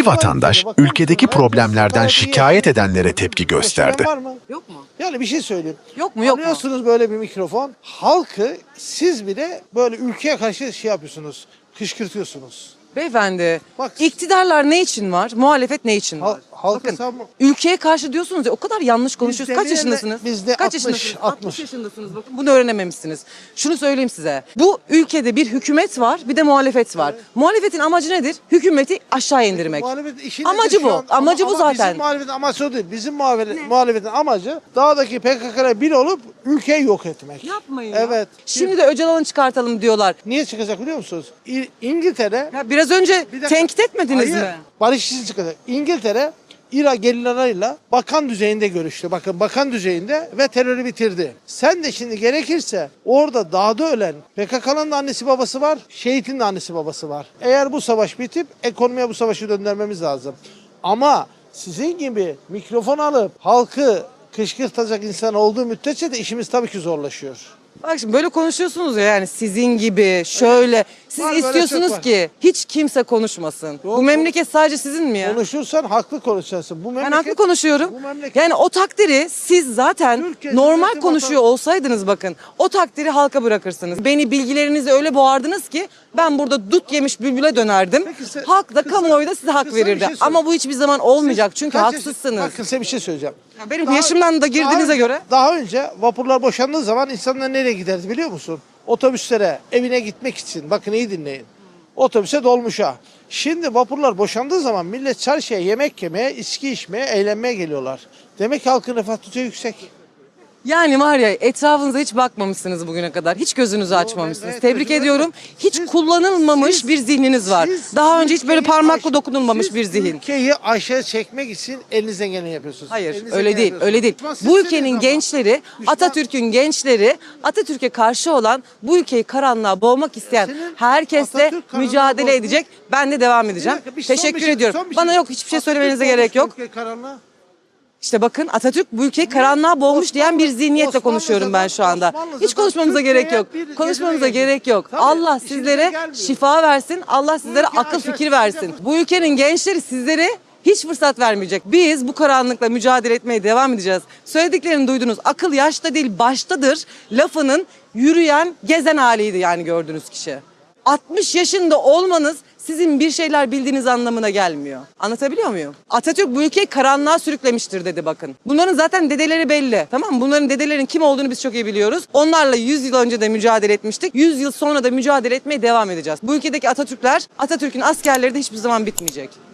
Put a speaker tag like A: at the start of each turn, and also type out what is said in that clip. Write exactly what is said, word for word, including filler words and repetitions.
A: Bir vatandaş ülkedeki problemlerden şikayet edenlere tepki gösterdi.
B: Var mı?
C: Yok mu?
B: Yani bir şey söyleyeyim.
C: Yok mu, yok mu?
B: Alıyorsunuz böyle bir mikrofon. Halkı siz bile böyle ülkeye karşı şey yapıyorsunuz. Kışkırtıyorsunuz.
C: Beyefendi,
B: Bak-
C: iktidarlar ne için var? Muhalefet ne için var?
B: Hal- halka
C: Bakın,
B: savunma-
C: ülkeye karşı diyorsunuz ya, o kadar yanlış konuşuyorsunuz. Kaç
B: demeyelim de
C: yaşındasınız?
B: biz de
C: Kaç
B: altmış,
C: yaşındasınız?
B: altmış.
C: yaşındasınız bakın. Bunu öğrenememişsiniz. Şunu söyleyeyim size. Bu ülkede bir hükümet var, bir de muhalefet var. Muhalefetin amacı nedir? Hükümeti aşağı indirmek.
B: Muhalefet işi
C: Amacı
B: nedir şu
C: bu,
B: an?
C: amacı
B: Ama-
C: bu
B: ama
C: zaten.
B: Bizim muhalefetin amacı o değil. Bizim muhalefet, muhalefetin amacı dağdaki P K K'ya bir olup ülkeyi yok etmek.
C: Yapmayın
B: Evet.
C: ya. Şimdi de Öcalan'ı çıkartalım diyorlar.
B: Niye çıkacak biliyor musunuz? İ- İngiltere
C: Ya biraz önce
B: Bir dakika.
C: tenkit etmediniz
B: Hayır,
C: mi?
B: barış için çıkacak. İngiltere İran gerillalarıyla bakan düzeyinde görüştü. Bakın bakan düzeyinde ve terörü bitirdi. Sen de şimdi gerekirse orada dağda ölen P K K'nın da annesi babası var, şehitin de annesi babası var. Eğer bu savaş bitip ekonomiye bu savaşı döndürmemiz lazım. Ama sizin gibi mikrofon alıp halkı kışkırtacak insan olduğu müddetçe de işimiz tabii ki zorlaşıyor.
C: Bak şimdi böyle konuşuyorsunuz ya, yani sizin gibi şöyle. Siz
B: Var, böyle
C: istiyorsunuz
B: çok var.
C: ki hiç kimse konuşmasın.
B: Yok,
C: Bu memleket sadece sizin mi ya?
B: Konuşursan haklı konuşacaksın. Bu
C: Ben
B: memleket,
C: haklı konuşuyorum.
B: Bu memleket,
C: Yani o takdiri siz zaten
B: Türkiye
C: normal
B: Cumhuriyeti
C: konuşuyor
B: vatan-
C: olsaydınız bakın, o takdiri halka bırakırsınız. Beni bilgilerinizi öyle boğardınız ki ben burada dut yemiş bülbüle dönerdim.
B: Peki size-
C: Halk da
B: kısa-
C: kamuoyu da size hak
B: kısa bir
C: verirdi.
B: şey söyle-
C: Ama bu hiçbir zaman olmayacak
B: Siz
C: çünkü
B: kaç yaş-
C: haksızsınız.
B: Bakın size bir şey söyleyeceğim.
C: Ya benim
B: Daha-
C: yaşımdan da girdiğinize
B: daha-
C: göre.
B: Daha önce vapurlar boşandığı zaman insanlar nereye giderdi biliyor musun? Otobüslere, evine gitmek için. Bakın iyi dinleyin. Otobüse, dolmuşa. Şimdi vapurlar boşandığı zaman millet çarşıya yemek yemeye, içki içmeye, eğlenmeye geliyorlar. Demek ki halkın refah düzeyi yüksek.
C: Yani var ya, etrafınıza hiç bakmamışsınız bugüne kadar. Hiç gözünüzü açmamışsınız.
B: evet,
C: Tebrik
B: gözümü-
C: ediyorum. Hiç
B: Siz-
C: kullanılmamış
B: siz-
C: bir zihniniz var.
B: Siz
C: Daha önce hiç böyle
B: ülkeyi
C: parmakla
B: aş-
C: dokunulmamış
B: siz
C: bir zihin.
B: Ülkeyi aşağı çekmek için elinizden geleni yapıyorsunuz.
C: Hayır,
B: Elinizden
C: öyle
B: geleni
C: değil,
B: yapıyorsunuz.
C: öyle değil.
B: Düşman
C: Bu
B: sizsiniz
C: ülkenin
B: ama.
C: gençleri,
B: Düşman-
C: Atatürk'ün gençleri, Atatürk'e karşı olan, bu ülkeyi karanlığa boğmak isteyen
B: Senin
C: herkesle
B: Atatürk karanlığa
C: mücadele
B: boğdu.
C: edecek. Ben de devam edeceğim.
B: Bir dakika, bir son
C: Teşekkür
B: bir şey-
C: ediyorum.
B: son bir
C: Bana
B: şey.
C: yok, hiçbir şey
B: Atatürk
C: söylemenize
B: olmuş
C: gerek yok.
B: ülke karanlığa.
C: İşte bakın, Atatürk bu ülkeyi karanlığa boğmuş diyen bir
B: Osmanlı-
C: zihniyetle konuşuyorum ben şu anda.
B: Osmanlı'da
C: Hiç konuşmamıza
B: Türkiye'ye
C: gerek yok.
B: bir
C: Konuşmamıza
B: gezine
C: gerek yok.
B: Tabii,
C: Allah
B: işinize
C: sizlere
B: gelmiyor.
C: şifa versin. Allah sizlere
B: ülke
C: akıl
B: aşağı-
C: fikir versin. Bu ülkenin gençleri sizlere hiç fırsat vermeyecek. Biz bu karanlıkla mücadele etmeye devam edeceğiz. Söylediklerini duydunuz. Akıl yaşta değil baştadır lafının yürüyen, gezen haliydi yani gördüğünüz kişi. altmış yaşında olmanız sizin bir şeyler bildiğiniz anlamına gelmiyor. Anlatabiliyor muyum? Atatürk bu ülkeyi karanlığa sürüklemiştir dedi bakın. Bunların zaten dedeleri belli. Tamam mı? Bunların dedelerin kim olduğunu biz çok iyi biliyoruz. Onlarla yüz yıl önce de mücadele etmiştik. yüz yıl sonra da mücadele etmeye devam edeceğiz. Bu ülkedeki Atatürkler, Atatürk'ün askerleri de hiçbir zaman bitmeyecek.